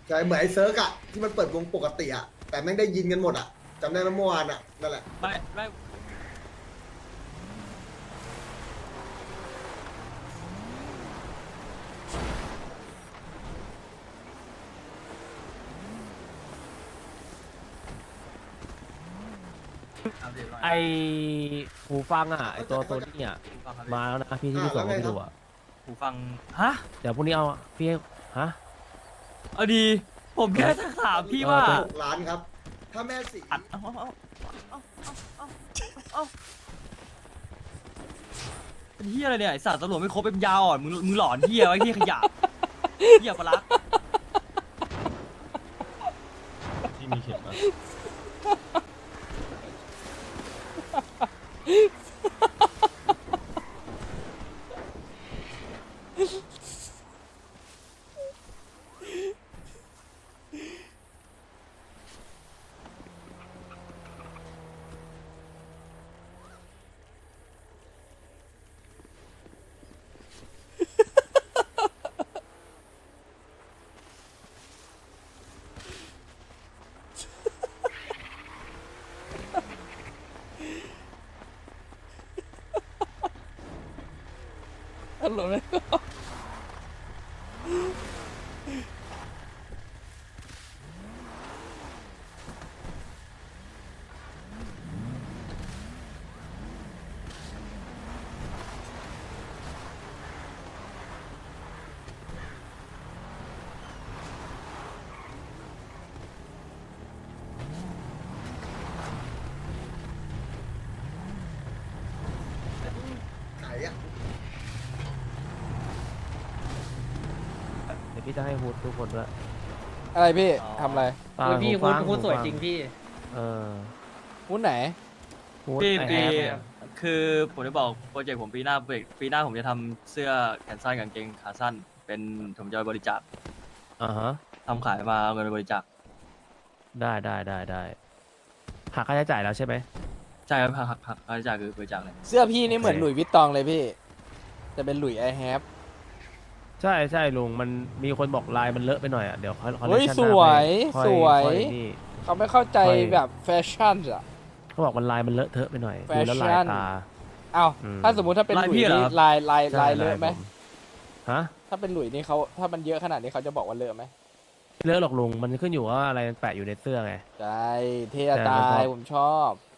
ใช่เหมือนไอ้เซิร์กอะที่มันเปิดวงปกติอะแต่แม่งได้ยินกันหมดอะจำได้ไหมเมื่อวานอะนั่นแหละไม่ไอหูฟังอ่ะไอตัวโซนี่อ่ะมาแล้วนะพี่ที่พี่ส่งแล้วไงให้ครับดูอ่ะหูฟังฮะเดี๋ยวพรุ่งนี้เอาพี่ให้ฮะเอาดีผมแค่ถามพี่ว่า 6 ล้านครับ ถ้าแม่สีอัดเอาเป็นเฮียอะไรเนี่ยไอสัตว์ตำรวจไม่ครบเป็นยาวอ่อนมึงหลอนเฮียไว้เฮียขยะเฮียปลาลักที่มีเข็มอะตลกเลยไหนอะเดี๋ยวพี่จะให้ฮูดทุกคนด้วยอะไรพี่ทำอะไรเปล่าพี่หูคุฟัณงคุณสวยหูฟัจริงพี่เออหุ้นไหนฮูดพี่ไอปีแฮปคือผมจะบอกโปรเจกต์ผมปีหน้าผมจะทำเสื้อแขนสั้นกางเกงขาสั้น เป็นผมจะไปบริจาคอ่าฮะทำขายมาเอาเงินไปบริจาคได้หักค่าใช้จ่ายแล้วใช่ไหมใช่ครับหักค่าใช้จ่ายคือบริจาคเลยเสื้อพี่นี่เหมือนโอเคหลุยส์วิตตองเลยพี่ จะเป็นหลุยไอแฮปใช่ลุงมันมีคนบอกลายมันเลอะไปหน่อยอ่ะเดี๋ยวเขาเฮ้ยชั่นสหน้าวยค่อสวยค่อนี่เขาไม่เข้าใจค่อยแบบแฟชั่นอ่ะเขาบอกมันลายมันเลอะเทอะไปหน่อยแฟดูแล้วลายชั่นตาเอ้าอืมถ้าสมมุติถ้าเป็นหลายลุยพี่ส์เหรอนี่ครับลายใช่ลายเลอะไหมผมฮะถ้าเป็นหลุยส์นี่เขาถ้ามันเยอะขนาดนี้เขาจะบอกว่าเลอะไหมเลอะหรอกลุงมันขึ้นอยู่ว่าอะไรมันแปะอยู่ในเสื้อไงใช่เท่แต่มันตาพอยผมชอบ